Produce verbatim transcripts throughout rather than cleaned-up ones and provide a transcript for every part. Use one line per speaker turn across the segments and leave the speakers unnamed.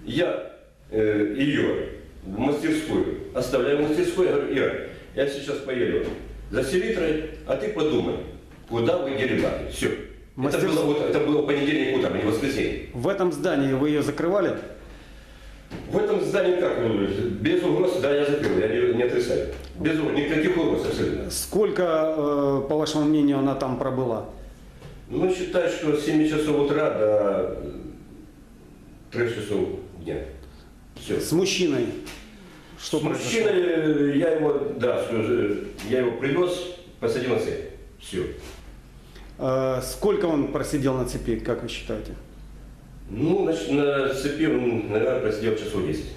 Я э, ее в мастерскую оставляю в мастерской, я говорю, Ира, я сейчас поеду за селитрой, а ты подумай, куда вы дели баки. Все.
Мастер...
Это, было, вот, это было понедельник утром, а не воскресенье.
В этом здании вы ее закрывали?
В этом здании как? Без угроз, да, я закрыл, я не, не отрицаю. Без угроз, никаких угроз абсолютно.
Сколько, э, по вашему мнению, она там пробыла?
Ну, считай, что с семи часов утра до трёх часов дня. Все.
С мужчиной? Что
С
произошло?
мужчиной я его, да, я его привез, посадил на цепь. Все.
Э, сколько он просидел на цепи, как вы считаете?
Ну, значит, на цепи он, наверное, просидел часов десять.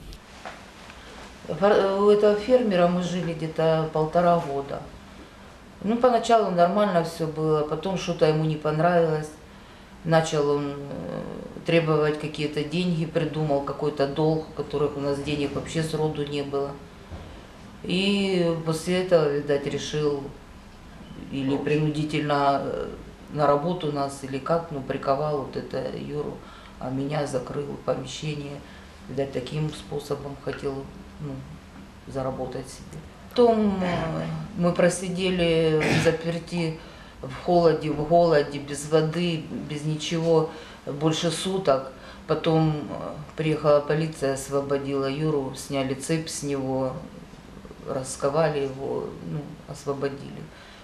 У этого фермера мы жили где-то полтора года. Ну, поначалу нормально все было, потом что-то ему не понравилось. Начал он требовать какие-то деньги, придумал какой-то долг, которых у нас денег вообще сроду не было. И после этого, видать, решил или принудительно на работу нас, или как, ну, приковал вот это Юру, а меня закрыл в помещение. Видать, таким способом хотел, ну, заработать себе. Потом мы просидели в заперти, в холоде, в голоде, без воды, без ничего, больше суток. Потом приехала полиция, освободила Юру, сняли цепь с него, расковали его, ну, освободили.